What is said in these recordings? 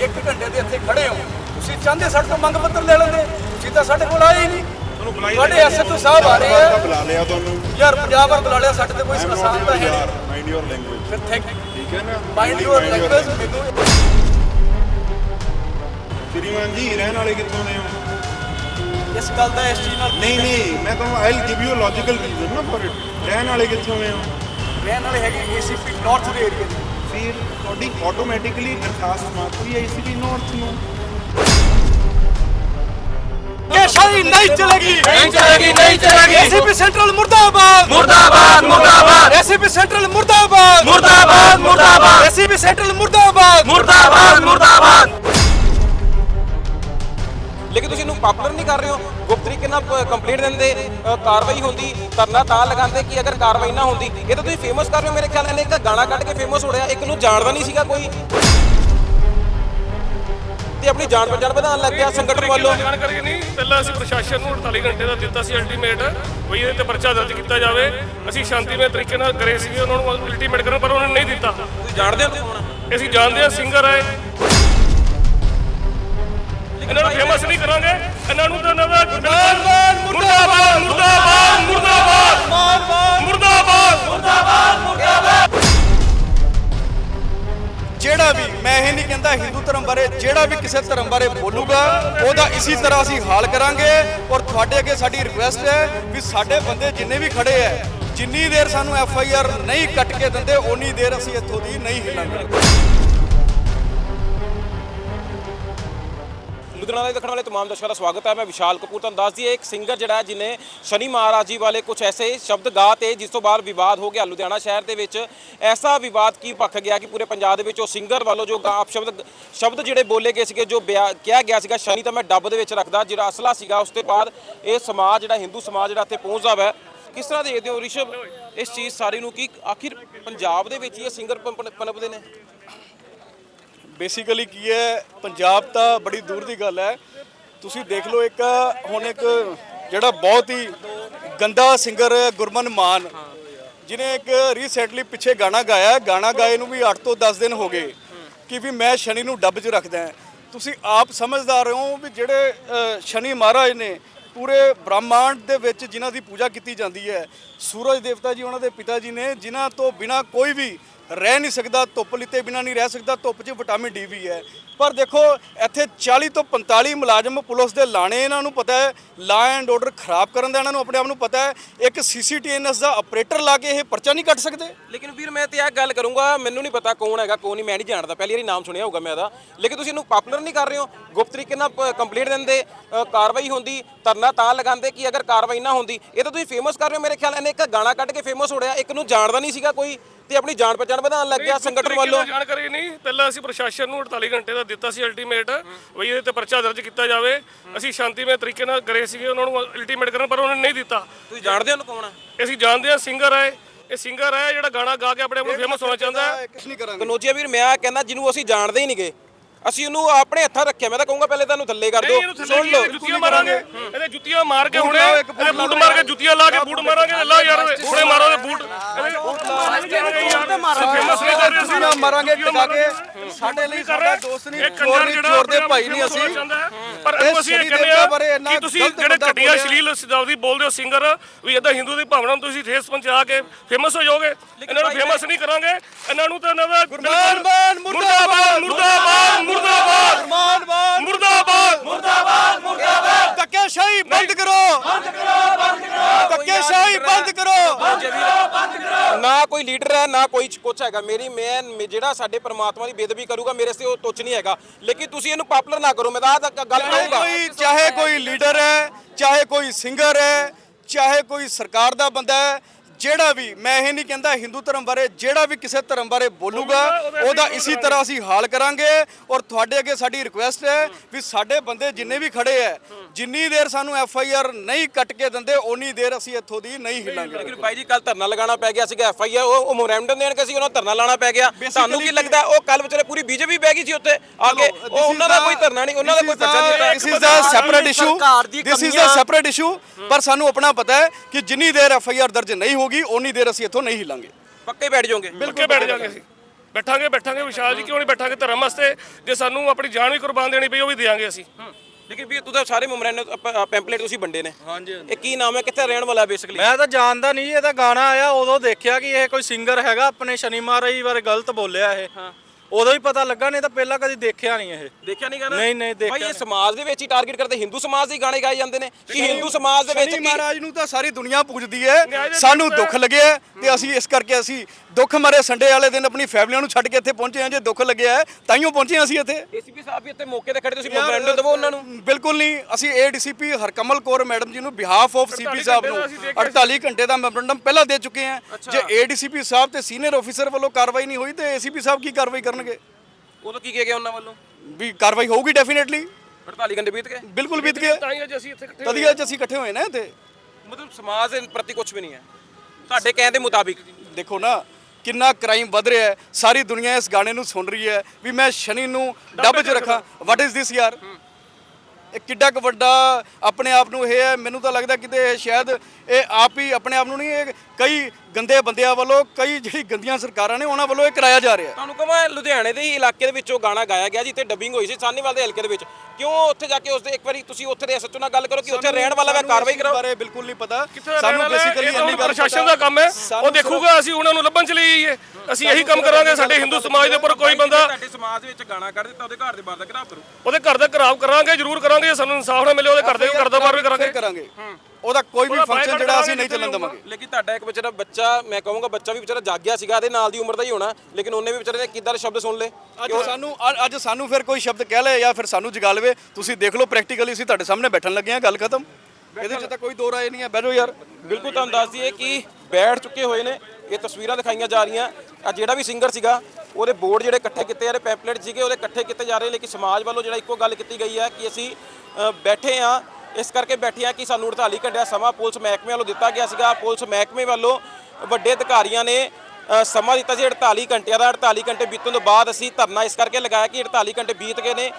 1 ਘੰਟੇ ਦੇ ਇੱਥੇ ਖੜੇ ਹੋ, ਤੁਸੀਂ ਚਾਹੁੰਦੇ ਸਾਡੇ ਤੋਂ ਮੰਗ ਪੱਤਰ ਲੈ ਲੈਂਦੇ, ਤੁਸੀਂ ਤਾਂ ਸਾਡੇ ਕੋਲ ਆਏ ਹੀ ਨਹੀਂ। ਤੁਹਾਡੇ ਐਸਐਚਓ ਸਾਹਿਬ ਆ ਰਹੇ ਆ, ਬੁਲਾ ਲਿਆ ਤੁਹਾਨੂੰ ਯਾਰ 50 ਵਾਰ ਬੁਲਾ ਲਿਆ, ਸਾਡੇ ਤੇ ਕੋਈ ਆਸਾਨ ਤਾਂ ਹੈ ਨਹੀਂ। ਮਾਈਂਡ ਯੂਅਰ ਲੈਂਗੁਏਜ, ਫਿਰ ਠੀਕ ਹੈ ਨਾ, ਮਾਈਂਡ ਯੂਅਰ ਲੈਂਗੁਏਜ। ਮੈਨੂੰ ਸ਼੍ਰੀਮਾਨ ਜੀ ਰਹਿਣ ਵਾਲੇ ਕਿੱਥੋਂ ਦੇ ਹੋ? ਇਸ ਗੱਲ ਦਾ ਇਸ ਚੀਜ਼ ਨਾਲ ਨਹੀਂ ਮੈਂ ਤੁਹਾਨੂੰ I will give you a logical reason ਨਾ ਫॉर ਇਟ। ਰਹਿਣ ਵਾਲੇ ਕਿੱਥੋਂ ਦੇ ਹੋ? ਰਹਿਣ ਵਾਲੇ ਹੈਗੇ ਏਸੀਪੀ ਨਾਰਥ ਦੇ ਏਰੀਆ ਦੇ। ਫਿਰ ਤੁਹਾਡੀ ਆਟੋਮੈਟਿਕਲੀ ਦਰਖਾਸਤ ਮਾਰਤੀ ਹੈ ਏਸੀਪੀ ਨਾਰਥ ਨੂੰ। ਧੱਕੇਸ਼ਾਹੀ ਨਹੀਂ ਚਲੇਗੀ, नहीं चलेगी नहीं चलेगी एसीपी सेंट्रल मुर्दाबाद मुर्दाबाद मुर्दाबाद एसीपी सेंट्रल मुर्दाबाद मुर्दाबाद मुर्दाबाद एसीपी सेंट्रल मुर्दाबाद मुर्दाबाद मुर्दाबाद। ਲੇਕਿਨ ਤੁਸੀਂ ਇਹਨੂੰ ਪਾਪੂਲਰ ਨਹੀਂ ਕਰ ਰਹੇ ਹੋ। ਗੁਪਤ ਤਰੀਕੇ ਨਾਲ ਕੰਪਲੇਂਟ ਦਿੰਦੇ, ਕਾਰਵਾਈ ਹੁੰਦੀ, ਧਰਨਾ ਤਾਂ ਲਗਾਉਂਦੇ ਕਿ ਅਗਰ ਕਾਰਵਾਈ ਨਾ ਹੁੰਦੀ। ਇਹ ਤਾਂ ਤੁਸੀਂ ਫੇਮਸ ਕਰ ਰਹੇ ਹੋ। ਮੇਰੇ ਖਿਆਲ ਨਾਲ ਇੱਕ ਗਾਣਾ ਕੱਢ ਕੇ ਫੇਮਸ ਹੋ ਰਿਹਾ, ਇੱਕ ਨੂੰ ਜਾਣਦਾ ਨਹੀਂ ਸੀਗਾ ਕੋਈ ਤੇ ਆਪਣੀ ਜਾਣ ਪਛਾਣ ਵਧਾਉਣ ਲੱਗ ਗਿਆ ਸੰਗਠਨ ਵੱਲੋਂ। ਜਾਣਕਾਰੀ ਨਹੀਂ, ਪਹਿਲਾਂ ਅਸੀਂ ਪ੍ਰਸ਼ਾਸਨ ਨੂੰ 48 ਘੰਟੇ ਦਾ ਦਿੱਤਾ ਸੀ ਅਲਟੀਮੇਟ, ਵੀ ਇਹਦੇ ਤੇ ਪਰਚਾ ਦਰਜ ਕੀਤਾ ਜਾਵੇ। ਅਸੀਂ ਸ਼ਾਂਤੀਮਈ ਤਰੀਕੇ ਨਾਲ ਕਰੇ ਸੀਗੇ ਉਹਨਾਂ ਨੂੰ ਅਲਟੀਮੇਟ ਕਰਨ, ਪਰ ਉਹਨਾਂ ਨੇ ਨਹੀਂ ਦਿੱਤਾ। ਤੁਸੀਂ ਜਾਣਦੇ ਹੋ ਕੌਣ? ਅਸੀਂ ਜਾਣਦੇ ਹਾਂ, ਸਿੰਗਰ ਹੈ। ਇਹਨਾਂ ਨੂੰ ਫੇਮਸ ਨਹੀਂ ਕਰਾਂਗੇ, ਇਹਨਾਂ ਨੂੰ ਤਾਂ ਮੁਰਦਾਬਾਦ ਮੁਰਦਾਬਾਦ ਮੁਰਦਾਬਾਦ ਮੁਰਦਾਬਾਦ ਮੁਰਦਾਬਾਦ ਮੁਰਦਾਬਾਦ। ਜਿਹੜਾ ਵੀ, ਮੈਂ ਇਹ ਨਹੀਂ ਕਹਿੰਦਾ ਹਿੰਦੂ ਧਰਮ ਬਾਰੇ, ਜਿਹੜਾ ਵੀ ਕਿਸੇ ਧਰਮ ਬਾਰੇ ਬੋਲੂਗਾ ਉਹਦਾ ਇਸੇ ਤਰ੍ਹਾਂ ਅਸੀਂ ਹਾਲ ਕਰਾਂਗੇ। ਔਰ ਤੁਹਾਡੇ ਅੱਗੇ ਸਾਡੀ ਰਿਕੁਐਸਟ ਹੈ ਵੀ ਸਾਡੇ ਬੰਦੇ ਜਿੰਨੇ ਵੀ ਖੜੇ ਹੈ, ਜਿੰਨੀ ਦੇਰ ਸਾਨੂੰ FIR ਨਹੀਂ ਕੱਟ ਕੇ ਦਿੰਦੇ ਓਨੀ ਦੇਰ ਅਸੀਂ ਇੱਥੋਂ ਦੀ ਨਹੀਂ ਹਿੱਲਾਂਗੇ। ਲੁਧਿਆਣਾ ਦੇ ਦੇਖਣ ਵਾਲੇ तमाम ਦਰਸ਼ਕਾਂ ਦਾ ਸਵਾਗਤ ਹੈ। ਮੈਂ ਵਿਸ਼ਾਲ ਕਪੂਰ। ਤੁਹਾਨੂੰ ਦੱਸ ਦਈਏ, ਇੱਕ ਸਿੰਗਰ ਜਿਹੜਾ ਹੈ ਜਿਹਨੇ ਸ਼ਨੀ ਮਹਾਰਾਜ ਜੀ ਵਾਲੇ ਕੁਝ ਐਸੇ ਸ਼ਬਦ ਗਾਤੇ ਜਿਸ ਤੋਂ ਬਾਅਦ ਵਿਵਾਦ ਹੋ ਗਿਆ ਲੁਧਿਆਣਾ ਸ਼ਹਿਰ ਦੇ ਵਿੱਚ। ਐਸਾ ਵਿਵਾਦ ਕੀ ਭਖ ਗਿਆ ਕਿ ਪੂਰੇ ਪੰਜਾਬ ਦੇ ਵਿੱਚ ਉਹ ਸਿੰਗਰ ਵੱਲੋਂ ਜੋ ਸ਼ਬਦ ਜਿਹੜੇ ਬੋਲੇ ਗਏ ਸੀਗੇ, ਜੋ ਕਿਹਾ ਗਿਆ ਸੀਗਾ ਸ਼ਨੀ ਤਾਂ ਮੈਂ ਡੱਬ ਦੇ ਵਿੱਚ ਰੱਖਦਾ, ਜਿਹੜਾ ਅਸਲਾ ਸੀਗਾ। ਉਸ ਤੋਂ ਬਾਅਦ ਇਹ ਸਮਾਜ ਜਿਹੜਾ ਹਿੰਦੂ ਸਮਾਜ ਜਿਹੜਾ ਇੱਥੇ ਪਹੁੰਚਦਾ ਵਾ। ਕਿਸ ਤਰ੍ਹਾਂ ਦੇਖਦੇ ਹੋ ਰਿਸ਼ਵ ਇਸ ਚੀਜ਼ ਸਾਰੀ ਨੂੰ ਕਿ ਆਖਿਰ ਪੰਜਾਬ ਦੇ ਵਿੱਚ ਹੀ ਇਹ ਸਿੰਗਰ ਪਨਪਦੇ ਨੇ? ਬੇਸਿਕਲੀ ਕੀ ਹੈ, ਪੰਜਾਬ ਤਾਂ ਬੜੀ ਦੂਰ ਦੀ ਗੱਲ ਹੈ। ਤੁਸੀਂ ਦੇਖ ਲਓ, ਇੱਕ ਹੁਣ ਇੱਕ ਜਿਹੜਾ ਬਹੁਤ ਹੀ ਗੰਦਾ ਸਿੰਗਰ ਗੁਰਮਨ ਮਾਨ, ਜਿਹਨੇ ਇੱਕ ਰੀਸੈਂਟਲੀ ਪਿੱਛੇ ਗਾਣਾ ਗਾਇਆ, ਗਾਣਾ ਗਾਏ ਨੂੰ ਵੀ 8 ਤੋਂ 10 ਦਿਨ ਹੋ ਗਏ ਕਿ ਵੀ ਮੈਂ ਸ਼ਨੀ ਨੂੰ ਡੱਬ 'ਚ ਰੱਖਦਾ। ਤੁਸੀਂ ਆਪ ਸਮਝਦਾਰ ਹੋ ਵੀ ਜਿਹੜੇ ਸ਼ਨੀ ਮਹਾਰਾਜ ਨੇ ਪੂਰੇ ਬ੍ਰਹਮਾਂਡ ਦੇ ਵਿੱਚ ਜਿਨ੍ਹਾਂ ਦੀ ਪੂਜਾ ਕੀਤੀ ਜਾਂਦੀ ਹੈ, ਸੂਰਜ ਦੇਵਤਾ ਜੀ ਉਹਨਾਂ ਦੇ ਪਿਤਾ ਜੀ ਨੇ, ਜਿਨ੍ਹਾਂ ਤੋਂ ਬਿਨਾ ਕੋਈ ਵੀ ਰਹਿ ਨਹੀਂ ਸਕਦਾ, ਧੁੱਪ ਲਿੱਤੇ ਬਿਨਾ ਨਹੀਂ ਰਹਿ ਸਕਦਾ। ਧੁੱਪ 'ਚ ਵਿਟਾਮਿਨ ਡੀ ਵੀ ਹੈ। ਪਰ ਦੇਖੋ ਇੱਥੇ 40 ਤੋਂ 45 ਮੁਲਾਜ਼ਮ ਪੁਲਿਸ ਦੇ ਲਾਣੇ, ਇਹਨਾਂ ਨੂੰ ਪਤਾ ਹੈ ਲਾ ਐਂਡ ਆਰਡਰ ਖਰਾਬ ਕਰਨ ਦਾ, ਇਹਨਾਂ ਨੂੰ ਆਪਣੇ ਆਪ ਨੂੰ ਪਤਾ ਹੈ। ਇੱਕ CCTNS ਦਾ ਆਪਰੇਟਰ ਲਾ ਕੇ ਇਹ ਪਰਚਾ ਨਹੀਂ ਕੱਟ ਸਕਦੇ। ਲੇਕਿਨ ਵੀਰ ਮੈਂ ਤੇ ਇਹ ਗੱਲ ਕਰੂੰਗਾ, ਮੈਨੂੰ ਨਹੀਂ ਪਤਾ ਕੌਣ ਹੈਗਾ ਕੌਣ ਨਹੀਂ, ਮੈਂ ਨਹੀਂ ਜਾਣਦਾ, ਪਹਿਲੀ ਵਾਰੀ ਨਾਮ ਸੁਣਿਆ ਹੋਊਗਾ ਮੈਂ ਇਹਦਾ। ਲੇਕਿਨ ਤੁਸੀਂ ਇਹਨੂੰ ਪਾਪੂਲਰ ਨਹੀਂ ਕਰ ਰਹੇ ਹੋ। ਗੁਪਤ ਤਰੀਕੇ ਨਾਲ ਕੰਪਲੇਂਟ ਦਿੰਦੇ, ਕਾਰਵਾਈ ਹੁੰਦੀ, ਧਰਨਾ ਤਾਂ ਲਗਾਉਂਦੇ ਕਿ ਅਗਰ ਕਾਰਵਾਈ ਨਾ ਹੁੰਦੀ। ਇਹ ਤਾਂ ਤੁਸੀਂ ਫੇਮਸ ਕਰ ਰਹੇ ਹੋ। ਮੇਰੇ ਖਿਆਲ ਨਾਲ ਇੱਕ ਗਾਣਾ ਕੱਢ ਕੇ ਫੇਮਸ ਹੋ ਰਿਹਾ, ਇੱਕ ਨੂੰ ਜਾਣਦਾ ਨਹੀਂ ਸੀਗਾ ਕੋਈ ਤੇ ਆਪਣੀ ਜਾਣ ਪਛਾਣ ਵਧਾਉਣ ਲੱਗ ਗਿਆ ਸੰਗਠਨ ਵੱਲੋਂ। ਜਾਣਕਾਰੀ ਨਹੀਂ, ਪਹਿਲਾਂ ਅਸੀਂ ਪ੍ਰਸ਼ਾਸਨ ਨੂੰ 48 ਘੰਟੇ ਦਾ ਦਿੱਤਾ ਸੀ ਅਲਟੀਮੇਟ, ਵੀ ਇਹਦੇ ਤੇ ਪਰਚਾ ਦਰਜ ਕੀਤਾ ਜਾਵੇ। ਅਸੀਂ ਸ਼ਾਂਤੀਮਈ ਤਰੀਕੇ ਨਾਲ ਕਰੇ ਸੀਗੇ ਉਹਨਾਂ ਨੂੰ ਅਲਟੀਮੇਟ ਕਰਨ, ਪਰ ਉਹਨਾਂ ਨੇ ਨਹੀਂ ਦਿੱਤਾ। ਤੁਸੀਂ ਜਾਣਦੇ ਹੋ ਕੌਣ ਹੈ? ਅਸੀਂ ਜਾਣਦੇ ਹਾਂ, ਸਿੰਗਰ ਹੈ। ਇਹ ਸਿੰਗਰ ਹੈ ਜਿਹੜਾ ਗਾਣਾ ਗਾ ਕੇ ਆਪਣੇ ਆਪ ਨੂੰ ਫੇਮਸ ਹੋਣਾ ਚਾਹੁੰਦਾ ਹੈ। ਕੁਛ ਨਹੀਂ ਕਰਾਂਗੇ। ਕਨੋਜੀਆ ਵੀਰ, ਮੈਂ ਕਹਿੰਦਾ ਜਿਹਨੂੰ ਅਸੀਂ ਜਾਣਦੇ ਹੀ ਨਹੀਂਗੇ, ਅਸੀਂ ਉਹਨੂੰ ਆਪਣੇ ਹੱਥਾਂ ਰੱਖਿਆ। ਮੈਂ ਤਾਂ ਕਹੂੰਗਾ ਪਹਿਲੇ ਤੁਹਾਨੂੰ ਥੱਲੇ ਕਰ ਦਿਓ। ਸੁਣ ਲਓ, ਜੁੱਤੀਆਂ ਮਾਰਾਂਗੇ, ਇਹਦੇ ਜੁੱਤੀਆਂ ਮਾਰ ਕੇ ਹੁਣੇ, ਇਹਦੇ ਬੂਟ ਮਾਰ ਕੇ ਜੁੱਤੀਆਂ ਲਾ ਕੇ ਬੂਟ ਮਾਰਾਂਗੇ। ਲਾ ਯਾਰ ਹੁਣੇ ਮਾਰੋ ਦੇ ਬੂਟ, ਫੇਮਸ ਨਹੀਂ ਕਰ ਰਹੇ ਅਸੀਂ ਨਾ ਮਾਰਾਂਗੇ ਟਿਕਾ ਕੇ। ਸਾਡੇ ਲਈ ਸਾਡਾ ਦੋਸਤ ਨਹੀਂ, ਚੋਰ ਦੇ ਭਾਈ ਨਹੀਂ ਅਸੀਂ। ਪਰ ਅਸੀਂ ਇਹ ਕਹਿੰਦੇ ਆ ਕਿ ਤੁਸੀਂ ਜਿਹੜੇ ਘਟੀਆ ਸ਼ਲੀਲ ਸ਼ਬਦਾਵਲੀ ਬੋਲਦੇ ਹੋ ਸਿੰਗਰ, ਵੀ ਇਦਾਂ ਹਿੰਦੂ ਦੀ ਭਾਵਨਾ ਨੂੰ ਤੁਸੀਂ ਠੇਸ ਪਹੁੰਚਾ ਕੇ ਫੇਮਸ ਹੋ ਜਾਓਗੇ। ਇਹਨਾਂ ਨੂੰ ਫੇਮਸ ਨਹੀਂ ਕਰਾਂਗੇ, ਇਹਨਾਂ ਨੂੰ ਤਾਂ ਇਹਨਾਂ ਦਾ ਮੁਰਦਾਬਾਦ ਮੁਰਦਾਬਾਦ ਮੁਰਦਾਬਾਦ ਮੁਰਦਾਬਾਦ ਮੁਰਦਾਬਾਦ ਮੁਰਦਾਬਾਦ ਮੁਰਦਾਬਾਦ। ਧੱਕੇਸ਼ਾਹੀ ਬੰਦ ਕਰੋ, ਧੱਕੇਸ਼ਾਹੀ ਬੰਦ ਕਰੋ। ਨਾ ਕੋਈ ਲੀਡਰ ਹੈ, ਨਾ ਕੋਈ ਕੁਛ ਹੈਗਾ। ਮੈਂ ਜਿਹੜਾ ਸਾਡੇ ਪਰਮਾਤਮਾ ਦੀ ਬੇਦਬੀ ਕਰੂਗਾ, ਮੇਰੇ ਸੇ ਉਹ ਤੁੱਛ ਨਹੀਂ ਹੈਗਾ। ਲੇਕਿਨ ਤੁਸੀਂ ਇਹਨੂੰ ਪਾਪੂਲਰ ਨਾ ਕਰੋ। ਮੈਂ ਤਾਂ ਗੱਲ ਕਹੂੰਗਾ, ਚਾਹੇ ਕੋਈ ਲੀਡਰ ਹੈ, ਚਾਹੇ ਕੋਈ ਸਿੰਗਰ ਹੈ, ਚਾਹੇ ਕੋਈ ਸਰਕਾਰ ਦਾ ਬੰਦਾ ਹੈ, ਜਿਹੜਾ ਵੀ, ਮੈਂ ਇਹ ਨਹੀਂ ਕਹਿੰਦਾ ਹਿੰਦੂ ਧਰਮ ਬਾਰੇ, ਜਿਹੜਾ ਵੀ ਕਿਸੇ ਧਰਮ ਬਾਰੇ ਬੋਲੂਗਾ ਉਹਦਾ ਇਸੇ ਤਰ੍ਹਾਂ ਅਸੀਂ ਹਾਲ ਕਰਾਂਗੇ। ਔਰ ਤੁਹਾਡੇ ਅੱਗੇ ਸਾਡੀ ਰਿਕੁਐਸਟ ਹੈ ਵੀ ਸਾਡੇ ਬੰਦੇ ਜਿੰਨੇ ਵੀ ਖੜੇ ਹੈ, ਜਿੰਨੀ ਦੇਰ ਸਾਨੂੰ FIR ਨਹੀਂ ਕੱਟ ਕੇ ਦਿੰਦੇ ਓਨੀ ਦੇਰ ਅਸੀਂ ਇੱਥੋਂ ਦੀ ਨਹੀਂ ਹਿੱਲਾਂਗੇ। ਲੇਕਿਨ ਭਾਈ ਜੀ ਕੱਲ ਧਰਨਾ ਲਗਾਉਣਾ ਪੈ ਗਿਆ ਸੀਗਾ। FIR ਉਹ ਮੈਮੋਰੈਂਡਮ ਦੇਣ ਕੇ ਸੀ, ਉਹਨਾਂ ਧਰਨਾ ਲਾਣਾ ਪੈ ਗਿਆ। ਤੁਹਾਨੂੰ ਕੀ ਲੱਗਦਾ ਉਹ ਕੱਲ ਵਿਚਾਰੇ ਪੂਰੀ BJP ਬਹਿ ਗਈ ਸੀ ਉੱਥੇ ਆ ਕੇ? ਉਹ ਉਹਨਾਂ ਦਾ ਕੋਈ ਧਰਨਾ ਨਹੀਂ, ਉਹਨਾਂ ਦਾ ਕੋਈ ਪਰਚਾ ਨਹੀਂ। This is the separate issue, this is the separate issue. ਪਰ ਸਾਨੂੰ ਆਪਣਾ ਪਤਾ ਹੈ ਕਿ ਜਿੰਨੀ ਦੇਰ FIR ਦਰਜ ਨਹੀਂ ਹੋਗੀ ਓਨੀ ਦੇਰ ਅਸੀਂ ਇੱਥੋਂ ਨਹੀਂ ਹਿੱਲਾਂਗੇ। ਪੱਕੇ ਬੈਠ ਜਾਓਗੇ? ਬਿਲਕੁਲ ਬੈਠ ਜਾਾਂਗੇ ਅਸੀਂ। ਬੈਠਾਂਗੇ ਵਿਸ਼ਾਲ ਜੀ, ਕਿਉਂ ਨਹੀਂ ਬੈਠਾਂਗੇ ਧਰਮ ਵਾਸਤੇ। ਜੇ ਸਾਨੂੰ ਆਪਣੀ ਜਾਨ ਵੀ ਕੁਰਬਾਨ ਦੇਣੀ ਪਈ ਉਹ ਵੀ ਦੇਵਾਂਗੇ ਅਸੀਂ। ਲੇਕਿਨ ਵੀ ਤੁਸੀਂ ਸਾਰੇ ਮੈਮੋਰੈਂਡਮ ਪੈਂਪਲੇਟ ਤੁਸੀਂ ਵੰਡੇ ਨੇ। ਹਾਂਜੀ। ਇਹ ਕੀ ਨਾਮ ਹੈ, ਕਿੱਥੇ ਰਹਿਣ ਵਾਲਾ ਬੇਸਿਕਲੀ? ਮੈਂ ਤਾਂ ਜਾਣਦਾ ਨਹੀਂ, ਇਹ ਤਾਂ ਗਾਣਾ ਆਇਆ ਉਦੋਂ ਦੇਖਿਆ ਕਿ ਇਹ ਕੋਈ ਸਿੰਗਰ ਹੈਗਾ, ਆਪਣੇ ਸ਼ਨੀ ਮਹਾਰਾਜ ਬਾਰੇ ਗਲਤ ਬੋਲਿਆ ਇਹ। ਉਦੋਂ ਹੀ ਪਤਾ ਲੱਗਾ, ਨਹੀਂ ਤਾਂ ਪਹਿਲਾਂ ਕਦੀ ਦੇਖਿਆ ਨਹੀਂ ਇਹ। ਦੇਖਿਆ ਨਹੀਂ ਗਾਣਾ? ਨਹੀਂ ਦੇਖਿਆ। ਭਾਈ ਇਹ ਸਮਾਜ ਦੇ ਵਿੱਚ ਹੀ ਟਾਰਗੇਟ ਕਰਦੇ, ਹਿੰਦੂ ਸਮਾਜ ਦੇ ਗਾਣੇ ਗਾਏ ਜਾਂਦੇ ਨੇ ਕਿ ਹਿੰਦੂ ਸਮਾਜ ਦੇ ਵਿੱਚ ਸ਼ਨੀ ਮਹਾਰਾਜ ਨੂੰ ਤਾਂ ਸਾਰੀ ਦੁਨੀਆ ਪੂਜਦੀ ਹੈ। ਸਾਨੂੰ ਦੁੱਖ ਲੱਗਿਆ ਤੇ ਅਸੀਂ ਇਸ ਕਰਕੇ ਅਸੀਂ ਦੁੱਖ ਮਰੇ ਸੰਡੇ ਵਾਲੇ ਦਿਨ ਆਪਣੀ ਫੈਮਲੀਆਂ ਨੂੰ ਛੱਡ ਕੇ ਇੱਥੇ ਪਹੁੰਚੇ ਹਾਂ। ਜੇ ਦੁੱਖ ਲੱਗਿਆ ਤਾਈਓ ਪਹੁੰਚੇ ਅਸੀਂ ਇੱਥੇ। ਏਸੀਪੀ ਸਾਹਿਬ ਵੀ ਇੱਥੇ ਮੌਕੇ ਤੇ ਖੜੇ, ਤੁਸੀਂ ਮੈਮੋਰੈਂਡਮ ਦਿਵੋ ਉਹਨਾਂ ਨੂੰ। ਬਿਲਕੁਲ ਨਹੀਂ, ਅਸੀਂ ਏਡੀਸੀਪੀ ਹਰਕਮਲ ਕੌਰ ਮੈਡਮ ਜੀ ਨੂੰ ਬਿਹਾਫ ਆਫ ਸੀਪੀ ਸਾਹਿਬ ਨੂੰ 48 ਘੰਟੇ ਦਾ ਮੈਮੋਰੈਂਡਮ ਪਹਿਲਾਂ ਦੇ ਚੁੱਕੇ ਹਾਂ। ਜੇ ਏਡੀਸੀਪੀ ਸਾਹਿਬ ਤੇ ਸੀਨੀਅਰ ਆਫੀਸਰ ਵੱਲੋਂ ਕਾਰਵਾਈ ਨਹੀਂ ਹੋਈ ਤੇ ਏਸੀਪੀ ਸਾਹਿਬ ਕੀ ਕਾਰਵਾਈ ਕਰਨਗੇ? ਉਦੋਂ ਕੀ ਕਿਹਾ ਗਿਆ ਉਹਨਾਂ ਵੱਲੋਂ? ਵੀ ਕਾਰਵਾਈ ਹੋਊਗੀ ਡੈਫੀਨੇਟਲੀ। 48 ਘੰਟੇ ਬੀਤ ਗਏ। ਬਿਲਕੁਲ ਬੀਤ ਗਏ, ਤਾਂ ਹੀ ਅੱਜ ਅਸੀਂ ਇੱਥੇ ਇਕੱਠੇ ਤਦੀ ਅੱਜ ਅਸੀਂ ਇਕੱਠੇ ਹੋਏ ਨਾ ਇੱਥੇ। ਮਤਲਬ ਸਮਾਜ ਦੇ ਪ੍ਰਤੀ ਕੁਝ ਵੀ ਨਹੀਂ ਹੈ ਤੁਹਾਡੇ ਕਹਿਣ ਦੇ ਮੁਤਾਬਿਕ। ਦੇਖੋ ਨਾ ਕਿੰਨਾ ਕ੍ਰਾਈਮ ਵੱਧ ਰਿਹਾ ਹੈ। ਸਾਰੀ ਦੁਨੀਆ ਇਸ ਗਾਣੇ ਨੂੰ ਸੁਣ ਰਹੀ ਹੈ ਵੀ ਮੈਂ ਸ਼ਨੀ ਨੂੰ ਡੱਬ 'ਚ ਰੱਖਾਂ। ਵਾਟ ਇਜ਼ ਦਿਸ ਯਾਰ? ਇਹ ਕਿੱਡਾ ਕੁ ਵੱਡਾ ਆਪਣੇ ਆਪ ਨੂੰ ਇਹ ਹੈ। ਮੈਨੂੰ ਤਾਂ ਲੱਗਦਾ ਕਿਤੇ ਇਹ ਸ਼ਾਇਦ ਇਹ ਆਪ ਹੀ ਆਪਣੇ ਆਪ ਨੂੰ ਨਹੀਂ, ਇਹ ਕਈ ਗੰਦੇ ਬੰਦਿਆਂ ਵੱਲੋਂ, ਕਈ ਜਿਹੜੀ ਗੰਦੀਆਂ ਸਰਕਾਰਾਂ ਨੇ ਉਹਨਾਂ ਵੱਲੋਂ ਇਹ ਕਰਾਇਆ ਜਾ ਰਿਹਾ। ਤੁਹਾਨੂੰ ਕਹਾਂ ਲੁਧਿਆਣੇ ਦੇ ਹੀ ਇਲਾਕੇ ਦੇ ਵਿੱਚੋਂ ਗਾਣਾ ਗਾਇਆ ਗਿਆ ਜਿੱਥੇ ਡੱਬਿੰਗ ਹੋਈ ਸੀ ਸਾਹਨੀਵਾਲ ਦੇ ਹਲਕੇ ਦੇ ਵਿੱਚ, ਕਿਉਂ ਉੱਥੇ ਜਾ ਕੇ ਉਸਦੇ ਇੱਕ ਵਾਰੀ ਤੁਸੀਂ ਉੱਥੇ ਦੇ ਐਸਐਚਓ ਨਾਲ ਗੱਲ ਕਰੋ ਕਿ ਉੱਥੇ ਰਹਿਣ ਵਾਲਾ ਵੇ ਕਾਰਵਾਈ ਕਰਾਓ। ਬਾਰੇ ਬਿਲਕੁਲ ਨਹੀਂ ਪਤਾ ਸਾਨੂੰ। ਬੇਸਿਕਲੀ ਇੰਨੀ ਗੱਲ ਪ੍ਰਸ਼ਾਸਨ ਦਾ ਕੰਮ ਹੈ, ਉਹ ਦੇਖੂਗਾ। ਅਸੀਂ ਉਹਨਾਂ ਨੂੰ ਲੱਭਣ ਚਲੇ ਜਾਈਏ, ਅਸੀਂ ਇਹੀ ਕੰਮ ਕਰਾਂਗੇ। ਸਾਡੇ ਹਿੰਦੂ ਸਮਾਜ ਦੇ ਉੱਪਰ ਕੋਈ ਬੰਦਾ ਤੁਹਾਡੇ ਸਮਾਜ ਦੇ ਵਿੱਚ ਗਾਣਾ ਕਰ ਦਿੱਤਾ, ਉਹਦੇ ਘਰ ਦੇ ਬਾਹਰ ਦਾ ਘਰਾਵ ਕਰੋ। ਉਹਦੇ ਘਰ ਦਾ ਘਰਾਵ ਕਰਾਂਗੇ, ਜ਼ਰੂਰ ਕਰਾਂਗੇ। ਜੇ ਸਾਨੂੰ ਇਨਸਾਫ ਨਾ ਮਿਲੇ ਉਹਦੇ ਘਰ ਦੇ ਘਰ ਦਾ ਬਾਹਰ ਵੀ ਕਰਾਂਗੇ। ਉਹਦਾ ਕੋਈ ਵੀ ਫੰਕਸ਼ਨ ਜਿਹੜਾ ਅਸੀਂ ਨਹੀਂ ਚੱਲਣ ਦੇਵਾਂਗੇ। ਲੇਕਿਨ ਤੁਹਾਡਾ ਇੱਕ ਵਿਚਾਰਾ ਬੱਚਾ, ਮੈਂ ਕਹੂੰਗਾ ਬੱਚਾ ਵੀ ਵਿਚਾਰਾ ਜਾਗਿਆ ਸੀਗਾ, ਇਹਦੇ ਨਾਲ ਦੀ ਉਮਰ ਦਾ ਹੀ ਹੋਣਾ, ਲੇਕਿਨ ਉਹਨੇ ਵੀ ਵਿਚਾਰੇ ਨੇ ਕਿੱਦਾਂ ਦੇ ਸ਼ਬਦ ਸੁਣ ਲਏ। ਅੱਜ ਸਾਨੂੰ ਫਿਰ ਕੋਈ ਸ਼ਬਦ ਕਹਿ ਲਏ ਜਾਂ ਫਿਰ ਸਾਨੂੰ ਜਗਾ ਲਵੇ, ਤੁਸੀਂ ਦੇਖ ਲਓ ਪ੍ਰੈਕਟੀਕਲੀ ਅਸੀਂ ਤੁਹਾਡੇ ਸਾਹਮਣੇ ਬੈਠਣ ਲੱਗੇ ਹਾਂ, ਗੱਲ ਖਤਮ। ਇਹਦੇ 'ਚ ਤਾਂ ਕੋਈ ਦੋ ਰਾਏ ਨਹੀਂ ਹੈ। ਬੈਠੋ ਯਾਰ। ਬਿਲਕੁਲ ਤੁਹਾਨੂੰ ਦੱਸ ਦਈਏ ਕਿ ਬੈਠ ਚੁੱਕੇ ਹੋਏ ਨੇ। ਇਹ ਤਸਵੀਰਾਂ ਦਿਖਾਈਆਂ ਜਾ ਰਹੀਆਂ। ਆ ਜਿਹੜਾ ਵੀ ਸਿੰਗਰ ਸੀਗਾ ਉਹਦੇ ਬੋਰਡ ਜਿਹੜੇ ਇਕੱਠੇ ਕੀਤੇ ਜਾ ਰਹੇ, ਪੈਂਪਲੇਟ ਸੀਗੇ ਉਹਦੇ ਇਕੱਠੇ ਕੀਤੇ ਜਾ ਰਹੇ। ਲੇਕਿਨ ਸਮਾਜ ਵੱਲੋਂ ਜਿਹੜਾ ਇੱਕੋ ਗੱਲ ਕੀਤੀ ਗਈ ਹੈ ਕਿ ਅਸੀਂ ਬੈਠੇ ਹਾਂ, ਇਸ ਕਰਕੇ ਬੈਠੇ ਹਾਂ ਕਿ ਸਾਨੂੰ 48 ਘੰਟੇ ਦਾ ਸਮਾਂ ਪੁਲਿਸ ਮਹਿਕਮੇ ਵੱਲੋਂ ਦਿੱਤਾ ਗਿਆ ਸੀਗਾ। ਪੁਲਿਸ ਮਹਿਕਮੇ ਵੱਲੋਂ ਵੱਡੇ ਅਧਿਕਾਰੀਆਂ ਨੇ ਸਮਾਂ ਦਿੱਤਾ ਸੀ 48 ਘੰਟਿਆਂ ਦਾ। 48 ਘੰਟੇ ਬੀਤਣ ਤੋਂ ਬਾਅਦ ਅਸੀਂ ਧਰਨਾ ਇਸ ਕਰਕੇ ਲਗਾਇਆ ਕਿ 48 ਘੰਟੇ ਬੀਤ ਗਏ ਨੇ,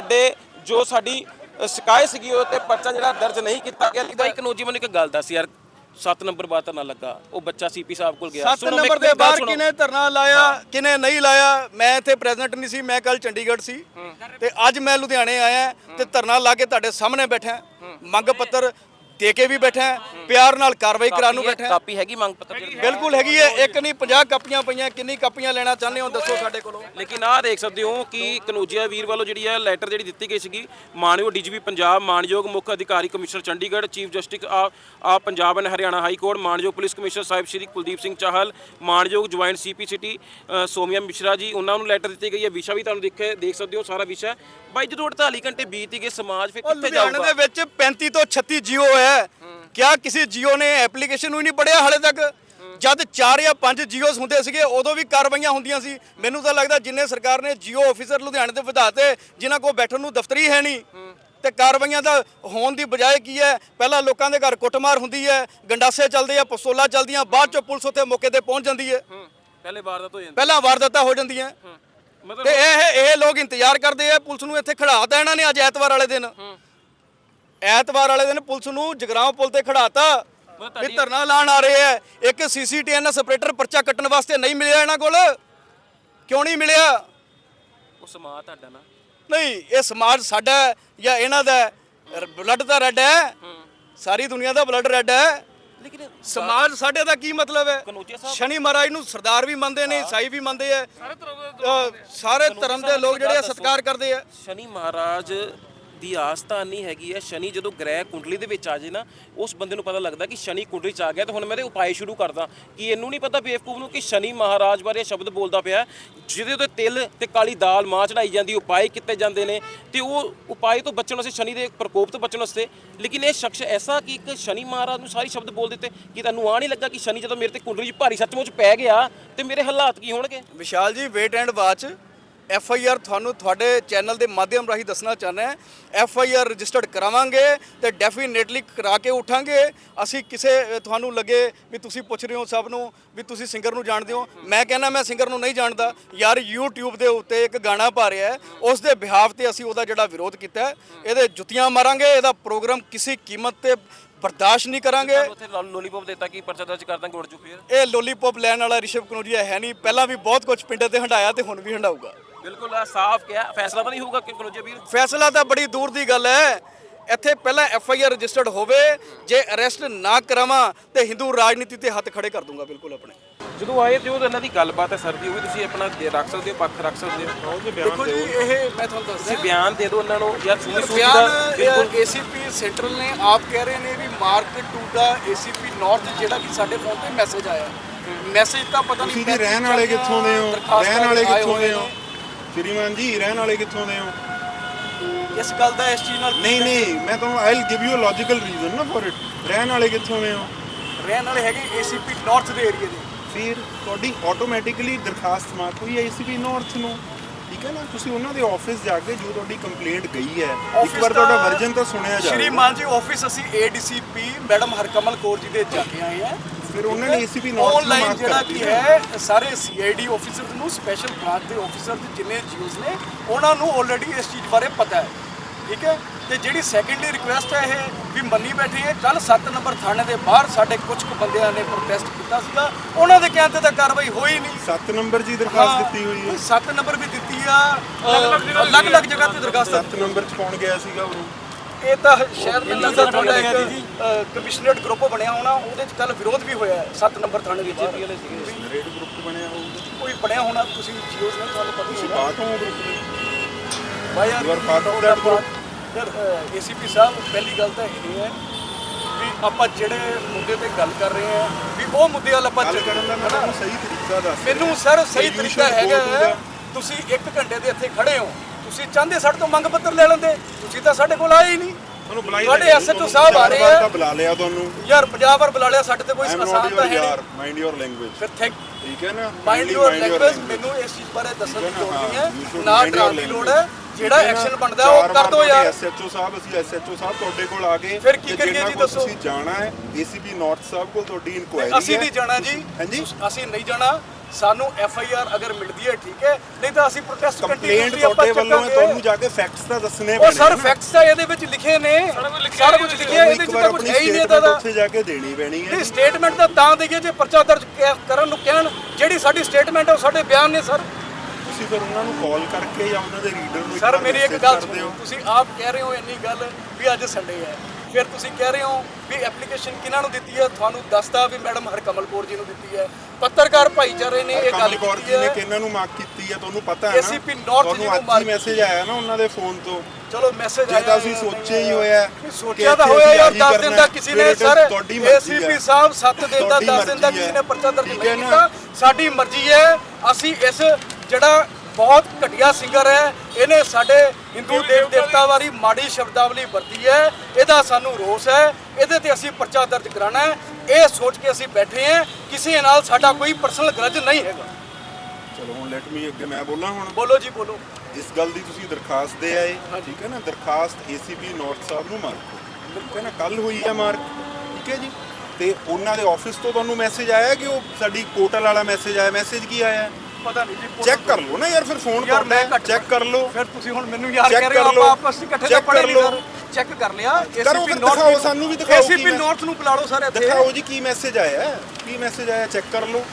ਸਾਡੀ ਸ਼ਿਕਾਇਤ ਸੀਗੀ ਉਹ ਤੇ ਪਰਚਾ ਜਿਹੜਾ ਦਰਜ ਨਹੀਂ ਕੀਤਾ ਗਿਆ। ਬਾਈ ਕਨੋਜੀ ਮੈਨੂੰ ਇੱਕ ਗੱਲ ਦੱਸ ਯਾਰ, 7 ਨੰਬਰ ਬਾਅਦ ਧਰਨਾ ਲੱਗਾ, ਉਹ ਬੱਚਾ ਸੀਪੀ ਸਾਹਿਬ ਕੋਲ ਗਿਆ। 7 ਨੰਬਰ ਦੇ ਬਾਹਰ ਕਿਨੇ ਧਰਨਾ ਲਾਇਆ, ਕਿਨੇ ਨਹੀਂ ਲਾਇਆ, ਮੈਂ ਇੱਥੇ ਪ੍ਰੈਜ਼ੈਂਟ ਨਹੀਂ ਸੀ। ਮੈਂ ਕੱਲ ਚੰਡੀਗੜ੍ਹ ਸੀ ਤੇ ਅੱਜ ਮੈਂ ਲੁਧਿਆਣੇ ਆਇਆ ਤੇ ਧਰਨਾ ਲਾ ਕੇ ਤੁਹਾਡੇ ਸਾਹਮਣੇ ਬੈਠਾ, ਮੰਗ ਪੱਤਰ ਦੇ ਕੇ ਵੀ ਬੈਠਾ, ਪਿਆਰ ਨਾਲ ਕਾਰਵਾਈ ਕਰਾਉਣ ਨੂੰ ਬੈਠਾ। ਕਾਪੀ ਹੈਗੀ ਮੰਗ ਪੱਤਰ ਦੀ? ਬਿਲਕੁਲ ਹੈਗੀ ਹੈ। ਇੱਕ ਨਹੀਂ 50 ਕਾਪੀਆਂ ਪਈਆਂ। ਕਿੰਨੀ ਕਾਪੀਆਂ ਲੈਣਾ ਚਾਹੁੰਦੇ ਹੋ ਦੱਸੋ ਸਾਡੇ ਕੋਲੋਂ। ਲੇਕਿਨ ਆਹ ਦੇਖ ਸਕਦੇ ਹੋ ਕਿ ਕਨੋਜੀਆ ਵੀਰ ਵੱਲੋਂ ਜਿਹੜੀ ਹੈ ਲੈਟਰ ਜਿਹੜੀ ਦਿੱਤੀ ਗਈ ਸੀਗੀ ਮਾਨਯੋਗ ਡੀਜੀਪੀ ਪੰਜਾਬ, ਮਾਨਯੋਗ ਮੁੱਖ ਅਧਿਕਾਰੀ ਕਮਿਸ਼ਨਰ ਚੰਡੀਗੜ੍ਹ, ਚੀਫ ਜਸਟਿਸ ਆ Punjab and Haryana high court, ਮਾਨਯੋਗ ਪੁਲਿਸ ਕਮਿਸ਼ਨਰ ਸਾਹਿਬ ਸ਼੍ਰੀ ਕੁਲਦੀਪ ਸਿੰਘ ਚਾਹਲ, ਮਾਨਯੋਗ joint CP city Saumya Mishra ji, ਉਹਨਾਂ ਨੂੰ ਲੈਟਰ ਦਿੱਤੀ ਗਈ ਹੈ। ਵਿਸ਼ਾ ਵੀ ਤੁਹਾਨੂੰ ਦੇਖ ਸਕਦੇ ਹੋ ਸਾਰਾ ਵਿਸ਼ਾ। ਬਾਈ ਜਦੋਂ 48 ਘੰਟੇ ਬੀਤ ਗਏ, ਸਮਾਜ ਫਿਰ ਕਿੱਥੇ ਜਾਊਗਾ? ਲੁਧਿਆਣੇ ਦੇ ਵਿੱਚ 35 ਤੋਂ 36 ਜੀਓ ਹੈ। ਕਿਆ ਕਿਸੇ ਜੀਓ ਨੇ ਐਪਲੀਕੇਸ਼ਨ ਨੂੰ ਹੀ ਨਹੀਂ ਪੜਿਆ ਹਾਲੇ ਤੱਕ? ਜਦ 4 ਜਾਂ 5 ਜੀਓਸ ਹੁੰਦੇ ਸੀਗੇ ਉਦੋਂ ਵੀ ਕਾਰਵਾਈਆਂ ਹੁੰਦੀਆਂ ਸੀ। ਮੈਨੂੰ ਤਾਂ ਲੱਗਦਾ ਜਿੰਨੇ ਸਰਕਾਰ ਨੇ ਜੀਓ ਆਫੀਸਰ ਲੁਧਿਆਣੇ ਦੇ ਵਧਾਤੇ, ਜਿਨ੍ਹਾਂ ਕੋਲ ਬੈਠਣ ਨੂੰ ਦਫ਼ਤਰੀ ਹੈ ਨਹੀਂ, ਤੇ ਕਾਰਵਾਈਆਂ ਦਾ ਹੋਣ ਦੀ ਬਜਾਏ ਕੀ ਹੈ, ਪਹਿਲਾਂ ਲੋਕਾਂ ਦੇ ਘਰ ਕੁੱਟਮਾਰ ਹੁੰਦੀ ਹੈ, ਗੰਡਾਸੇ ਚੱਲਦੇ ਆ, ਪਿਸਤੌਲਾਂ ਚੱਲਦੀਆਂ, ਬਾਅਦ ਚੋਂ ਪੁਲਿਸ ਉੱਥੇ ਮੌਕੇ ਤੇ ਪਹੁੰਚ ਜਾਂਦੀ ਹੈ। ਪਹਿਲਾਂ ਵਾਰਦਾਤਾਂ ਹੋ ਜਾਂਦੀਆਂ। ਤੇ ਇਹ ਲੋਕ ਇੰਤਜ਼ਾਰ ਕਰਦੇ ਆ ਪੁਲਿਸ ਨੂੰ। ਇੱਥੇ ਖੜਾਤਾ ਇਹਨਾਂ ਨੇ ਅੱਜ ਐਤਵਾਰ ਵਾਲੇ ਦਿਨ ਪੁਲਿਸ ਨੂੰ ਜਗਰਾਉਂ ਪੁਲ ਤੇ ਖੜਾਤਾ ਵੀ ਧਰਨਾ ਲਾਣ ਆ ਰਹੇ ਹੈ। ਇੱਕ ਸੀਸੀਟੀਐਨਐਸ ਆਪਰੇਟਰ ਪਰਚਾ ਕੱਟਣ ਵਾਸਤੇ ਨਹੀਂ ਮਿਲਿਆ ਇਹਨਾਂ ਕੋਲ। ਕਿਉਂ ਨਹੀਂ ਮਿਲਿਆ? ਉਹ ਸਮਾਜ ਤੁਹਾਡਾ ਨਾ ਨਹੀਂ, ਇਹ ਸਮਾਜ ਸਾਡਾ ਜਾਂ ਇਹਨਾਂ ਦਾ? ਬਲੱਡ ਤਾਂ ਰੈੱਡ ਹੈ, ਸਾਰੀ ਦੁਨੀਆ ਦਾ ਬਲੱਡ ਰੈੱਡ ਹੈ। ਲੇਕਿਨ ਸਮਾਜ ਸਾਡੇ ਦਾ ਕੀ ਮਤਲਬ ਹੈ? ਸ਼ਨੀ ਮਹਾਰਾਜ ਨੂੰ ਸਰਦਾਰ ਵੀ ਮੰਨਦੇ ਨੇ, ਈਸਾਈ ਵੀ ਮੰਨਦੇ ਆ, ਸਾਰੇ ਧਰਮ ਦੇ ਲੋਕ ਜਿਹੜੇ ਸਤਿਕਾਰ ਕਰਦੇ ਆ। ਸ਼ਨੀ ਮਹਾਰਾਜ ਦੀ ਆਸਥਾ ਨਹੀਂ ਹੈਗੀ ਹੈ। ਸ਼ਨੀ ਜਦੋਂ ਗ੍ਰਹਿ ਕੁੰਡਲੀ ਦੇ ਵਿੱਚ ਆ ਜੇ ਨਾ, ਉਸ ਬੰਦੇ ਨੂੰ ਪਤਾ ਲੱਗਦਾ ਕਿ ਸ਼ਨੀ ਕੁੰਡਲੀ ਚ ਆ ਗਿਆ। ਤੇ ਹੁਣ ਮੈਂ ਇਹਦੇ ਉਪਾਅ ਸ਼ੁਰੂ ਕਰਦਾ ਕਿ ਇਹਨੂੰ ਨਹੀਂ ਪਤਾ ਬੇਵਕੂਫ ਨੂੰ ਕਿ ਸ਼ਨੀ ਮਹਾਰਾਜ ਬਾਰੇ ਸ਼ਬਦ ਬੋਲਦਾ ਪਿਆ, ਜਿਹਦੇ ਉੱਤੇ ਤਿਲ ਤੇ ਕਾਲੀ ਦਾਲ ਮਾਂ ਚੜਾਈ ਜਾਂਦੀ, ਉਪਾਅ ਕੀਤੇ ਜਾਂਦੇ ਨੇ, ਤੇ ਉਹ ਉਪਾਅ ਤੋਂ ਬਚਣ ਵਾਸਤੇ, ਸ਼ਨੀ ਦੇ ਪ੍ਰਕੋਪ ਤੋਂ ਬਚਣ ਵਾਸਤੇ। ਲੇਕਿਨ ਇਹ ਸ਼ਖਸ ਐਸਾ ਕਿ ਇੱਕ ਸ਼ਨੀ ਮਹਾਰਾਜ ਨੂੰ ਸਾਰੇ ਸ਼ਬਦ ਬੋਲ ਦਿੱਤੇ ਕਿ ਤੁਹਾਨੂੰ ਆ ਨਹੀਂ ਲੱਗਾ ਕਿ ਸ਼ਨੀ ਜਦੋਂ ਮੇਰੇ ਤੇ ਕੁੰਡਲੀ 'ਚ ਭਾਰੀ ਸੱਚਮੁੱਚ ਪੈ ਗਿਆ ਤੇ ਮੇਰੇ ਹਾਲਾਤ ਕੀ ਹੋਣਗੇ? ਵਿਸ਼ਾਲ ਜੀ, ਵੇਟ ਐਂਡ ਵਾਚ। FIR ਤੁਹਾਨੂੰ ਤੁਹਾਡੇ ਚੈਨਲ ਦੇ ਮਾਧਿਅਮ ਰਾਹੀਂ ਦੱਸਣਾ ਚਾਹੁੰਦਾ ਹਾਂ। FIR ਰਜਿਸਟਰਡ ਕਰਾਵਾਂਗੇ ਤੇ ਡੈਫੀਨੇਟਲੀ ਕਰਾ ਕੇ ਉਠਾਂਗੇ। ਅਸੀਂ ਕਿਸੇ ਤੁਹਾਨੂੰ ਲੱਗੇ ਵੀ ਤੁਸੀਂ ਪੁੱਛ ਰਹੇ ਹੋ ਸਭ ਨੂੰ ਵੀ ਤੁਸੀਂ ਸਿੰਗਰ ਨੂੰ ਜਾਣਦੇ ਹੋ, ਮੈਂ ਕਹਿੰਦਾ ਮੈਂ ਸਿੰਗਰ ਨੂੰ ਨਹੀਂ ਜਾਣਦਾ ਯਾਰ। YouTube ਦੇ ਉੱਤੇ ਇੱਕ ਗਾਣਾ ਪਾ ਰਿਹਾ ਹੈ, ਉਸ ਦੇ ਬਿਹਾਫ ਤੇ ਅਸੀਂ ਉਹਦਾ ਜਿਹੜਾ ਵਿਰੋਧ ਕੀਤਾ, ਇਹਦੇ ਜੁੱਤੀਆਂ ਮਾਰਾਂਗੇ। ਇਹਦਾ ਪ੍ਰੋਗਰਾਮ ਕਿਸੇ ਕੀਮਤ ਤੇ ਬਰਦਾਸ਼ਤ ਨਹੀਂ ਕਰਾਂਗੇ। ਉੱਥੇ ਲੋਲੀਪੌਪ ਦਿੱਤਾ ਕਿ ਪਰਚਾ ਦਰਜ ਕਰ ਦਾਂਗੇ, ਉੜ ਜੂ ਫਿਰ। ਇਹ ਲੋਲੀਪੌਪ ਲੈਣ ਵਾਲਾ ਰਿਸ਼ਵ ਕਨੋਜੀਆ ਹੈ ਨਹੀਂ, ਪਹਿਲਾਂ ਵੀ ਬਹੁਤ ਕੁਝ ਪਿੰਡਾਂ ਤੇ ਹੰਡਾਇਆ ਤੇ ਹੁਣ ਵੀ ਹੰਡਾਊਗਾ। ਬਿਲਕੁਲ ਆ ਸਾਫ਼ ਕਿਹਾ, ਫੈਸਲਾ ਤਾਂ ਨਹੀਂ ਹੋਊਗਾ ਕਿ ਕਨੋਜੀਆ ਵੀਰ। ਫੈਸਲਾ ਤਾਂ ਬੜੀ ਦੂਰ ਦੀ ਗੱਲ ਹੈ। ਇੱਥੇ ਪਹਿਲਾਂ FIR ਰਜਿਸਟਰਡ ਹੋਵੇ, ਜੇ ਅਰੈਸਟ ਨਾ ਕਰਾਵਾਂ ਤੇ ਹਿੰਦੂ ਰਾਜਨੀਤੀ ਤੇ ਹੱਥ ਖੜੇ ਕਰ ਦੂੰਗਾ ਬਿਲਕੁਲ ਆਪਣੇ। ਜਦੋਂ ਆਏ ਤੇ ਉਹ ਇਹਨਾਂ ਦੀ ਗੱਲਬਾਤ ਹੈ ਸਰ ਦੀ, ਉਹ ਵੀ ਤੁਸੀਂ ਆਪਣਾ ਰੱਖ ਸਕਦੇ ਹੋ, ਪੱਖ ਰੱਖ ਸਕਦੇ ਹੋ। ਦੇਖੋ ਜੀ, ਇਹ ਮੈਂ ਤੁਹਾਨੂੰ ਦੱਸਦਾ, ਤੁਸੀਂ ਬਿਆਨ ਦੇ ਦਿਓ ਉਹਨਾਂ ਨੂੰ ਯਾਰ ਸੁਣੀ ਸੂਚੀ ਦਾ। ਬਿਆਨ ACP ਸੈਂਟਰਲ ਨੇ ਆਪ ਕਹਿ ਰਹੇ ਨੇ ਵੀ ਮਾਰਕ ਟੂ ਦਾ ACP ਨਾਰਥ ਜਿਹੜਾ ਕਿ ਸਾਡੇ ਫੋਨ ਤੇ ਮੈਸੇਜ ਆਇਆ, ਮੈਸੇਜ ਤਾਂ ਪਤਾ ਨਹੀਂ ਤੁਸੀਂ ਜੀ ਰਹਿਣ ਵਾਲੇ ਕਿੱਥੋਂ ਦੇ ਹੋ? ਰਹਿਣ ਵਾਲੇ ਕਿੱਥੋਂ ਦੇ ਹੋ ਸ਼੍ਰੀਮਾਨ ਜੀ? ਰਹਿਣ ਵਾਲੇ ਕਿੱਥੋਂ ਦੇ ਹੋ? ਇਸ ਗੱਲ ਦਾ ਇਸ ਚੀਜ਼ ਨਾਲ ਨਹੀਂ ਮੈਂ ਤੁਹਾਨੂੰ I will give you a logical reason ਨਾ ਫॉर ਇਟ। ਰਹਿਣ ਵਾਲੇ ਕਿੱਥੋਂ ਦੇ ਹੋ? ਰਹਿਣ ਵਾਲੇ ਹੈਗੇ ACP ਨਾਰਥ ਦੇ ਏਰੀਆ ਦੇ। ਫਿਰ ਤੁਹਾਡੀ ਆਟੋਮੈਟਿਕਲੀ ਦਰਖਾਸਤ ਮਾਰਕ ਹੋਈ ਹੈ ACP ਨਾਰਥ ਨੂੰ, ਠੀਕ ਹੈ ਨਾ? ਤੁਸੀਂ ਉਹਨਾਂ ਦੇ ਆਫਿਸ ਜਾ ਕੇ ਜੋ ਤੁਹਾਡੀ ਕੰਪਲੇਂਟ ਗਈ ਹੈ, ਇੱਕ ਵਾਰ ਤੁਹਾਡਾ ਵਰਜਨ ਤਾਂ ਸੁਣਿਆ ਜਾਵੇ। ਸ਼੍ਰੀਮਾਨ ਜੀ, ਆਫਿਸ ਅਸੀਂ ADCP ਮੈਡਮ ਹਰਕਮਲ ਕੌਰ ਜੀ ਦੇ ਜਾ ਕੇ ਆਏ ਆ। ਫਿਰ ਉਹਨਾਂ ਨੇ ACP ਨਾਰਥ ਨੂੰ ਆਨਲਾਈਨ ਮਾਰਕ ਜਿਹੜਾ ਕਰਤੀ ਕੀ ਹੈ ਸਾਰੇ CID ਆਫੀਸਰਸ ਨੂੰ, ਸਪੈਸ਼ਲ ਬ੍ਰਾਂਚ ਦੇ ਆਫੀਸਰਸ ਜਿੰਨੇ GOs ਨੇ ਉਹਨਾਂ ਨੂੰ ਆਲਰੇਡੀ ਇਸ ਚੀਜ਼ ਬਾਰੇ ਪਤਾ ਹੈ, ਠੀਕ ਹੈ। ਤੇ ਜਿਹੜੀ ਸੈਕੰਡਲੀ ਰਿਕੁਐਸਟ ਹੈ ਇਹ ਵੀ ਮੰਨੀ ਬੈਠੇ ਹੈ। ਕੱਲ 7 ਨੰਬਰ ਥਾਣੇ ਦੇ ਬਾਹਰ ਸਾਡੇ ਕੁਝ ਕੁ ਬੰਦਿਆਂ ਨੇ ਪ੍ਰੋਟੈਸਟ ਕੀਤਾ ਸੀਗਾ, ਉਹਨਾਂ ਦੇ ਕਹਿਣ ਤੇ ਤਾਂ ਕਾਰਵਾਈ ਹੋਈ ਨਹੀਂ। 7 ਨੰਬਰ ਜੀ ਦਰਖਾਸਤ ਦਿੱਤੀ ਹੋਈ ਹੈ। 7 ਨੰਬਰ ਵੀ ਦਿੱਤੀ ਆ, ਅਲੱਗ-ਅਲੱਗ ਜਗ੍ਹਾ ਤੇ ਦਰਖਾਸਤ 7 ਨੰਬਰ 'ਚ ਕੌਣ ਗਿਆ ਸੀਗਾ ਉਦੋਂ? ਇਹ ਤਾਂ ਸ਼ਾਇਦ ਮੈਨੂੰ ਲੱਗਦਾ ਤੁਹਾਡਾ ਇੱਕ ਕਮਿਸ਼ਨਰੇਟ ਗਰੁੱਪ ਬਣਿਆ ਹੋਣਾ, ਉਹਦੇ 'ਚ ਕੱਲ ਵਿਰੋਧ ਵੀ ਹੋਇਆ 7 ਨੰਬਰ ਥਾਣੇ ਵਿੱਚ। ਰੇਡ ਗਰੁੱਪ ਬਣਿਆ ਹੋਊਗਾ, ਕੋਈ ਬਣਿਆ ਹੋਣਾ, ਤੁਸੀਂ GOs ਨੇ ਤੁਹਾਨੂੰ ਪਤਾ ਹੀ ਤੁਸੀਂ ਹੋਣਾ। ਪਾਰਟ ਹੋ ਗਰੁੱਪ ਦੇ? ਭਾਈ ਯਾਰ You are part of that group? ਯਾਰ ACP ਸਾਹਿਬ, ਪਹਿਲੀ ਗੱਲ ਤਾਂ ਇਹ ਹੈ ਵੀ ਆਪਾਂ ਜਿਹੜੇ ਮੁੱਦੇ ਤੇ ਗੱਲ ਕਰ ਰਹੇ ਹਾਂ ਵੀ ਉਹ ਮੁੱਦੇ ਵੱਲ ਆਪਾਂ ਗੱਲ ਕਰਨ ਦਾ ਮੈਂ ਤੁਹਾਨੂੰ ਸਹੀ ਤਰੀਕਾ ਦੱਸ ਰਿਹਾ। ਮੈਨੂੰ ਸਰ ਸਹੀ You ਤਰੀਕਾ should ਹੈਗਾ go to the- ਤੁਸੀਂ 1 ਘੰਟੇ ਦੇ ਇੱਥੇ ਖੜੇ ਹੋ, ਤੁਸੀਂ ਚਾਹੁੰਦੇ ਸਾਡੇ ਤੋਂ ਮੰਗ ਪੱਤਰ ਲੈ ਲੈਂਦੇ, ਤੁਸੀਂ ਤਾਂ ਸਾਡੇ ਕੋਲ ਆਏ ਹੀ ਨਹੀਂ। ਤੁਹਾਨੂੰ ਬੁਲਾਈ ਤੁਹਾਡੇ SHO ਸਾਹਿਬ ਆ ਰਹੇ ਆ, ਬੁਲਾ ਲਿਆ ਤੁਹਾਨੂੰ। ਯਾਰ 50 ਵਾਰ ਬੁਲਾ ਲਿਆ, ਸਾਡੇ ਤੇ ਕੋਈ ਆਈ ਐਮ ਆਸਾਨ ਨਾਟ ਤਾਂ ਯੂਰ ਹੈ ਯਾਰ, ਨਹੀਂ। Mind your language. ਫਿਰ ਥੈਂਕ ਠੀਕ ਹੈ ਨਾ? Mind your language. ਮੈਨੂੰ ਇਸ ਚੀਜ਼ ਬਾਰੇ ਦੱਸਣ ਦੀ ਲੋੜ ਨਹੀਂ ਹੈ, ਨਾ ਡਰਾਉਣ ਦੀ ਲੋੜ ਹੈ। ਜਿਹੜਾ ਐਕਸ਼ਨ ਬਣਦਾ ਉਹ ਕਰ ਦੋ ਯਾਰ। SHO ਸਾਹਿਬ, ਅਸੀਂ SHO ਸਾਹਿਬ ਤੁਹਾਡੇ ਕੋਲ ਆ ਗਏ, ਫਿਰ ਕੀ ਕਰੀਏ ਜੀ ਦੱਸੋ? ਤੁਸੀਂ ਜਾਣਾ ਹੈ ACP ਨਾਰਥ ਸਾਹਿਬ ਕੋਲ, ਤੁਹਾਡੀ ਇਨਕੁਆਇਰੀ ਹੈ। ਅਸੀਂ ਨਹੀਂ ਜਾਣਾ ਜੀ, ਹਾਂਜੀ ਅਸੀਂ ਨਹੀਂ ਜਾਣਾ। ਸਾਨੂੰ FIR ਅਗਰ ਮਿਲਦੀ ਹੈ ਠੀਕ ਹੈ, ਨਹੀਂ ਤਾਂ ਅਸੀਂ ਪ੍ਰੋਟੈਸਟ ਕੰਪਲੇਂਟ ਤੁਹਾਡੇ ਵੱਲੋਂ ਹੈ, ਤੁਹਾਨੂੰ ਜਾ ਕੇ ਫੈਕਟਸ ਤਾਂ ਦੱਸਣੇ ਉਹ ਸਰ ਫੈਕਟਸ ਤਾਂ ਇਹਦੇ ਵਿੱਚ ਲਿਖੇ ਨੇ, ਸਾਰਾ ਕੁਝ ਲਿਖਿਆ ਇਹਦੇ ਵਿੱਚ, ਤਾਂ ਕੁਝ ਹੈ ਹੀ ਨਹੀਂ ਇਹਦਾ ਦਾ। ਉੱਥੇ ਜਾ ਕੇ ਦੇਣੀ ਪੈਣੀ ਹੈ। ਇਹ ਸਟੇਟਮੈਂਟ ਤਾਂ ਦੇਈਏ ਜੇ ਪਰਚਾ ਦਰਜ ਕਰਨ ਨੂੰ ਕਹਿਣ, ਜਿਹੜੀ ਸਾਡੀ ਸਟੇਟਮੈਂਟ ਹੈ ਉਹ ਸਾਡੇ ਬਿਆਨ ਨੇ ਸਰ। ਤੁਸੀਂ ਫਿਰ ਉਹਨਾਂ ਨੂੰ ਕਾਲ ਕਰਕੇ ਜਾਂ ਉਹਨਾਂ ਦੇ ਰੀਡਰ ਨੂੰ ਸਰ ਮੇਰੀ ਇੱਕ ਗੱਲ ਕਰਦੇ ਹੋ। ਤੁਸੀਂ ਆਪ ਕਹਿ ਰਹੇ ਹੋ ਇੰਨੀ ਗੱਲ ਵੀ ਅੱਜ ਸੰਡੇ ਹੈ, ਫਿਰ ਤੁਸੀਂ ਕਹਿ ਰਹੇ ਹੋ ਵੀ ਐਪਲੀਕੇਸ਼ਨ ਕਿਹਨਾਂ ਨੂੰ ਦਿੱਤੀ ਹੈ, ਤੁਹਾਨੂੰ ਦੱਸਦਾ ਵੀ ਮੈਡਮ ਹਰਕਮਲ ਕੌਰ ਜੀ ਨੂੰ ਦਿੱਤੀ ਹੈ। ਪੱਤਰਕਾਰ ਭਾਈਚਾਰੇ ਨੇ ਇਹ ਗੱਲ ਕਮਲ ਕੌਰ ਕੀਤੀ ਜੀ ਨੇ ਹੈ। ਕਿਹਨਾਂ ਨੂੰ ਮਾਰਕ ਕੀਤੀ ਹੈ ਤੁਹਾਨੂੰ ਪਤਾ ਹੈ ਨਾ? ACP ਨਾਰਥ ਜੀ ਨੂੰ ਤੁਹਾਨੂੰ ਮੈਸੇਜ ਆਇਆ ਨਾ ਉਹਨਾਂ ਦੇ ਫੋਨ ਤੋਂ। ਚਲੋ ਮੈਸੇਜ ਜੇ ਆਇਆ, ਤਾਂ ਅਸੀਂ ਸੋਚਿਆ ਹੀ ਹੋਇਆ ਸੋਚਿਆ ਤਾਂ ਹੋਇਆ ਯਾਰ, 10 ਦਿਨ ਦਾ ਕਿਸੇ ਨੇ ਸਰ ACP ਸਾਹਿਬ 7 ਦਿਨ ਦਾ 10 ਦਿਨ ਦਾ ਕਿਸੇ ਨੇ ਪਰਚਾ ਦਰਜ ਨਹੀਂ ਕੀਤਾ। ਸਾਡੀ ਮਰਜ਼ੀ ਹੈ, ਅਸੀਂ ਇਸ ਜਿਹੜਾ ਬਹੁਤ ਘਟੀਆ ਸਿੰਗਰ ਹੈ, ਇਹਨੇ ਸਾਡੇ ਹਿੰਦੂ ਦੇਵ ਦੇਵਤਾ ਵਾਲੀ ਮਾੜੀ ਸ਼ਬਦਾਵਲੀ ਵਰਤੀ ਹੈ, ਇਹਦਾ ਸਾਨੂੰ ਰੋਸ ਹੈ, ਇਹਦੇ ਤੇ ਅਸੀਂ ਪਰਚਾ ਦਰਜ ਕਰਾਉਣਾ ਹੈ। ਇਹ ਸੋਚ ਕੇ ਅਸੀਂ ਬੈਠੇ ਹਾਂ, ਕਿਸੇ ਨਾਲ ਸਾਡਾ ਕੋਈ ਪਰਸਨਲ ਗਰਜ ਨਹੀਂ ਹੈਗਾ। ਚਲੋ ਹੁਣ ਲੈਟ ਮੀ ਅੱਗੇ ਮੈਂ ਬੋਲਾਂ ਹੁਣ। ਬੋਲੋ ਜੀ ਬੋਲੋ। ਇਸ ਗੱਲ ਦੀ ਤੁਸੀਂ ਦਰਖਾਸਤ ਦੇ ਆਏ, ਠੀਕ ਹੈ ਨਾ? ਦਰਖਾਸਤ ACP ਨਾਰਥ ਸਾਹਿਬ ਨੂੰ ਮਾਰਕ, ਠੀਕ ਹੈ ਨਾ? ਕੱਲ ਹੋਈ ਹੈ ਮਾਰਕ, ਠੀਕ ਹੈ ਜੀ। ਤੇ ਉਹਨਾਂ ਦੇ ਆਫਿਸ ਤੋਂ ਤੁਹਾਨੂੰ ਮੈਸੇਜ ਆਇਆ ਕਿ ਉਹ ਸਾਡੀ ਕੋਟਲ ਵਾਲਾ ਮੈਸੇਜ ਆਇਆ? ਮੈਸੇਜ ਕੀ ਆਇਆ ਪਤਾ ਨਹੀਂ ਜੀ, ਚੈੱਕ ਕਰ ਲਓ ਨਾ ਯਾਰ, ਫਿਰ ਫੋਨ ਕਰਨਾ, ਚੈੱਕ ਕਰ ਲਓ। ਫਿਰ ਤੁਸੀਂ ਹੁਣ ਮੈਨੂੰ ਯਾਰ ਕਹਿ ਰਹੇ ਹੋ ਆਪਾਂ ਆਪਸ ਵਿੱਚ ਇਕੱਠੇ ਤਾਂ ਪੜ੍ਹੇ ਨਹੀਂ ਸਰ। ਚੈੱਕ ਕਰ ਲਿਆ ਕਰੋ, ACP ਦਿਖਾਓ, ਨਾਰਥ ਸਾਨੂੰ ਵੀ ਦਿਖਾਓ ACP ਨਾਰਥ ਨੂੰ ਬੁਲਾ ਲਓ ਸਰ ਇੱਥੇ। ਦਿਖਾਓ ਜੀ ਕੀ ਮੈਸੇਜ ਆਇਆ, ਕੀ ਮੈਸੇਜ ਆਇਆ, ਚੈੱਕ ਕਰ ਲਓ।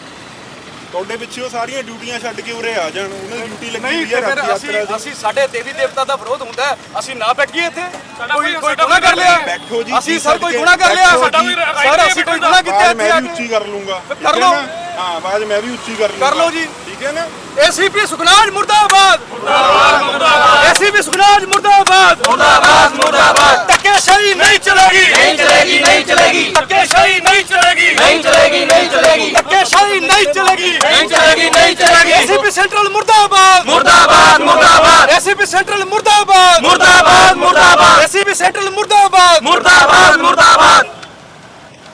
ਤੁਹਾਡੇ ਪਿੱਛੇ ਉਹ ਸਾਰੀਆਂ ਡਿਊਟੀਆਂ ਛੱਡ ਕੇ ਉਰੇ ਆ ਜਾਣ, ਉਹਨਾਂ ਦੀ ਡਿਊਟੀ ਲੱਗੀ ਨਹੀਂ ਹੋਈ ਤੇ ਹੈ ਫਿਰ ਰਾਤ ਯਾਤਰਾ ਦੀ। ਅਸੀਂ ਸਾਡੇ ਦੇਵੀ ਦੇਵਤਾ ਦਾ ਵਿਰੋਧ ਹੁੰਦਾ ਹੈ, ਅਸੀਂ ਨਾ ਬੈਠੀਏ ਇੱਥੇ? ਕੋਈ ਗੁਨਾਹ ਕਰ ਲਿਆ? ਬੈਠੋ ਜੀ, ਅਸੀਂ ਸਰ ਕੋਈ ਗੁਨਾਹ ਕਰ ਲਿਆ? ਸਾਡਾ ਵੀ ਸਰ ਅਸੀਂ ਕੋਈ ਗੁਨਾਹ ਕੀਤਾ ਇੱਥੇ ਮੈਂ ਆ ਵੀ ਕੇ? ਉੱਚੀ ਕਰ ਲੂੰਗਾ, ਕਰ ਲਓ। ਹਾਂ ਬਾਅਦ ਮੈਂ ਵੀ ਉੱਚੀ ਕਰ ਲੂੰਗਾ। ਕਰ ਲਓ ਜੀ। ਠੀਕ ਹੈ ਨਾ? ACP ਸੁਖਨਾਜ ਮੁਰਦਾਬਾਦ, ACP ਸੁਖਨਾਜ ਮੁਰਦਾਬਾਦ, मुर्दाबाद ਧੱਕੇਸ਼ਾਹੀ ਨਹੀਂ ਚਲੇਗੀ, नहीं चलेगी नहीं चलेगी ਧੱਕੇਸ਼ਾਹੀ ਨਹੀਂ ਚਲੇਗੀ, नहीं चलेगी नहीं चलेगी ਧੱਕੇਸ਼ਾਹੀ ਨਹੀਂ ਚਲੇਗੀ, नहीं चलेगी नहीं चलेगी ACP ਸੈਂਟਰਲ ਮੁਰਦਾਬਾਦ, मुर्दाबाद मुर्दाबाद ACP ਸੈਂਟਰਲ ਮੁਰਦਾਬਾਦ, मुर्दाबाद मुर्दाबाद ACP ਸੈਂਟਰਲ ਮੁਰਦਾਬਾਦ, मुर्दाबाद मुर्दाबाद